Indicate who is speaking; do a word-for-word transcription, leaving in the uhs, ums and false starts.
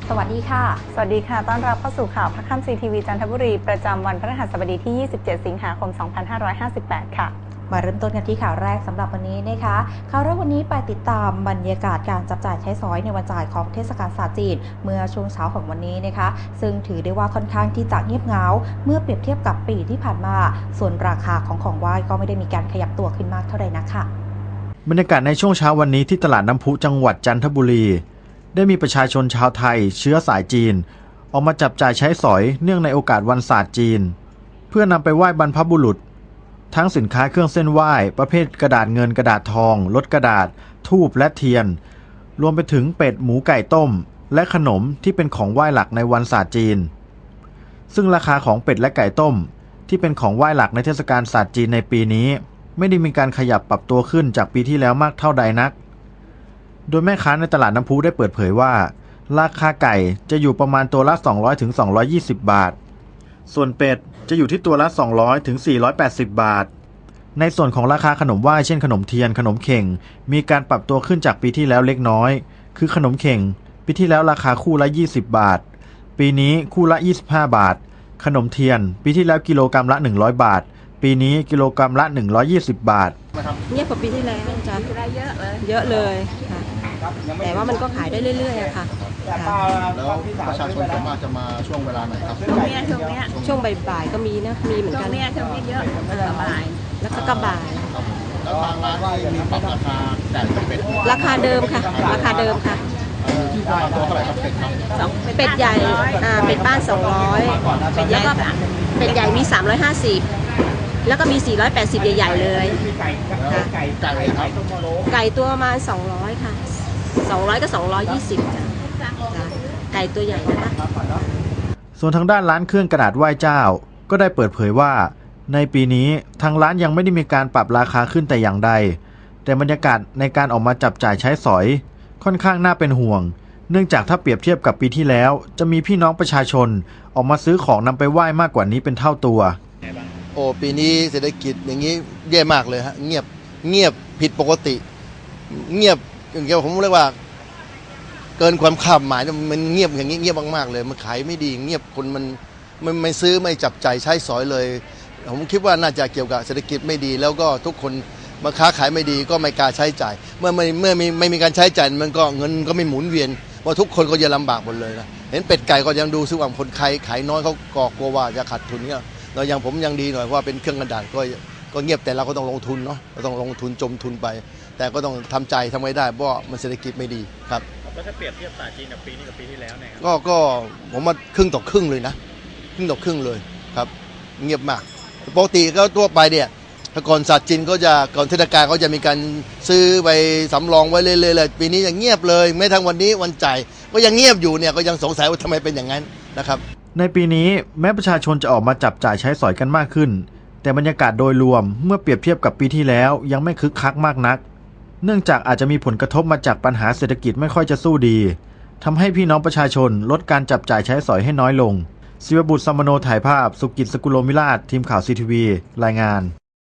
Speaker 1: สวัสดีค่ะ
Speaker 2: สวัสดีค่ะต้อนรับเข้าสู่ข่าวพักค่ำซีทีวีจันทบุรีประจำวันพฤหัสบดีที่ยี่สิบเจ็ดสิงหาคมสองพันห้าร้อยห้าสิบแปดค่ะ
Speaker 1: มาเริ่มต้นกันที่ข่าวแรกสำหรับวันนี้นะคะข่าวแรกวันนี้ไปติดตามบรรยากาศการจับจ่ายใช้สอยในวันจ่ายของเทศกาลศาสตร์จีนเมื่อช่วงเช้าของวันนี้นะคะซึ่งถือได้ว่าค่อนข้างที่จะเงียบเหงาเมื่อเปรียบเทียบกับปีที่ผ่านมาส่วนราคาของของไหว้ก็ไม่ได้มีการขยับตัวขึ้นมากเท่าไหร่นักค่ะ
Speaker 3: บรรยากาศในช่วงเช้าวันนี้ที่ตลาดน้ำพุจังหวัดจันทบุรีได้มีประชาชนชาวไทยเชื้อสายจีนออกมาจับจ่ายใช้สอยเนื่องในโอกาสวันศาสตร์จีนเพื่อนำไปไหว้บรรพบุรุษทั้งสินค้าเครื่องเส้นไหว้ประเภทกระดาษเงินกระดาษทองลดกระดาษธูปและเทียนรวมไปถึงเป็ดหมูไก่ต้มและขนมที่เป็นของไหว้หลักในวันศาสตร์จีนซึ่งราคาของเป็ดและไก่ต้มที่เป็นของไหว้หลักในเทศกาลศาสตร์จีนในปีนี้ไม่ได้มีการขยับปรับตัวขึ้นจากปีที่แล้วมากเท่าใดนักโดยแม่ค้าในตลาดน้ำพุได้เปิดเผยว่าราคาไก่จะอยู่ประมาณตัวละสองร้อยถึงสองร้อยยี่สิบบาทส่วนเป็ดจะอยู่ที่ตัวละสองร้อยถึงสี่ร้อยแปดสิบบาทในส่วนของราคาขนมไหว้เช่นขนมเทียนขนมเข่งมีการปรับตัวขึ้นจากปีที่แล้วเล็กน้อยคือขนมเข่งปีที่แล้วราคาคู่ละยี่สิบบาทปีนี้คู่ละยี่สิบห้าบาทขนมเทียนปีที่แล้วกิโลกรัมละหนึ่งร้อยบาทปีนี้กิโลกรัมละหนึ่งร้อยยี่สิบบาท
Speaker 4: เงียบกว่าปีที่แล้วจ้ะเยอะเลยเยอะเลยค่ะแต่ว่ามันก็ขายได้เรื่อยๆอะค่ะ
Speaker 5: แล้วประชาชนส่วนมากจะมาช่วงเวลาไหนครับ
Speaker 4: ช่วงนี้ช่วงนี้ช่วงบ่ายๆก็มีนะมีเหมือนกันช่วงนี้ช่วงนี้เยอะบ่ายแล้วก็กระบ่าย
Speaker 5: แล้วทางร้านที่มีปรับราคาไก่กับเป็ด
Speaker 4: ราคาเดิมค่ะราคาเดิมค่ะ
Speaker 5: ตัวเท่าไหร่ครับเป็ดครับ
Speaker 4: เป็ดใหญ่อ่าเป็ดบ้านสองร้อยแล้วก็เป็ดใหญ่มีสามร้อยห้าสิบแล้วก็มีสี่ร้อยแปดสิบใหญ่ๆเลยค่ะไก่ครับไก่ตัวประมาณสองร้อยค่ะสองร้อยก็สองร้อยยี่สิบจ้ะไก่ตัวใหญ่นะคะ
Speaker 3: ส่วนทางด้านร้านเครื่องกระดาษไหว้เจ้าก็ได้เปิดเผยว่าในปีนี้ทางร้านยังไม่ได้มีการปรับราคาขึ้นแต่อย่างใดแต่บรรยากาศในการออกมาจับจ่ายใช้สอยค่อนข้างน่าเป็นห่วงเนื่องจากถ้าเปรียบเทียบกับปีที่แล้วจะมีพี่น้องประชาชนออกมาซื้อของนำไปไหว้มากกว่านี้เป็นเท่าตัว
Speaker 5: โอ้ปีนี้เศรษฐกิจอย่างนี้แย่มากเลยฮะเงียบเงียบผิดปกติเงียบอย่างเงี้ยผมเรียกว่าเกินความคาดหมายมันเงียบอย่างนี้เงียบมากๆเลยมันขายไม่ดีเงียบคนมันไม่ไม่ซื้อไม่จับใจใช้สอยเลยผมคิดว่าน่าจะเกี่ยวกับเศรษฐกิจไม่ดีแล้วก็ทุกคนมาค้าขายไม่ดีก็ไม่กล้าใช้จ่ายเมื่อไม่เมื่อไม่ไม่มีการใช้จ่ายมันก็เงินก็ไม่หมุนเวียนเพราะทุกคนก็จะลำบากหมดเลยนะเห็นเป็ดไก่ก็ยังดูซึ่งว่าคนขายขายน้อยเขาก็กลัวว่าจะขาดทุนเนี่ยเราอย่างผมยังดีหน่อยเพราะว่าเป็นเครื่องกระดาษก็ก็เงียบแต่เราก็ต้องลงทุนเนาะเราต้องลงทุนจมทุนไปแต่ก็ต้องทำใจทำไว้ได้เพราะมันเศรษฐกิจไม่ดีครับ
Speaker 6: แล้วถ้าเปรียบเทียบศาสตร์จีนกับปีนี้กับปีที่แล้วเนี่ย
Speaker 5: ก็ก็ผมว่าครึ่งต่อครึ่งเลยนะครึ่งต่อครึ่งเลยครับเงียบมากปกติก็ทั่วไปเนี่ยก่อนศาสตร์จีนก็จะก่อนเทศกาลเขาจะมีการซื้อไปสำรองไว้เรื่อยๆเลยปีนี้ยังเงียบเลยแม้ทั้งวันนี้วันจ่ายก็ยังเงียบอยู่เนี่ยก็ยังสงสัยว่าทำไมเป็นอย่างนั้นนะครับ
Speaker 3: ในปีนี้แม้ประชาชนจะออกมาจับจ่ายใช้สอยกันมากขึ้นแต่บรรยากาศโดยรวมเมื่อเปรียบเทียบกับปีที่แล้วยังไม่คึกคักมากนักเนื่องจากอาจจะมีผลกระทบมาจากปัญหาเศรษฐกิจไม่ค่อยจะสู้ดีทำให้พี่น้องประชาชนลดการจับจ่ายใช้สอยให้น้อยลงศิวบุตร สมโนถ่ายภาพสุกิจ สกุลโลมิราชทีมข่าวซีทีวีรายงาน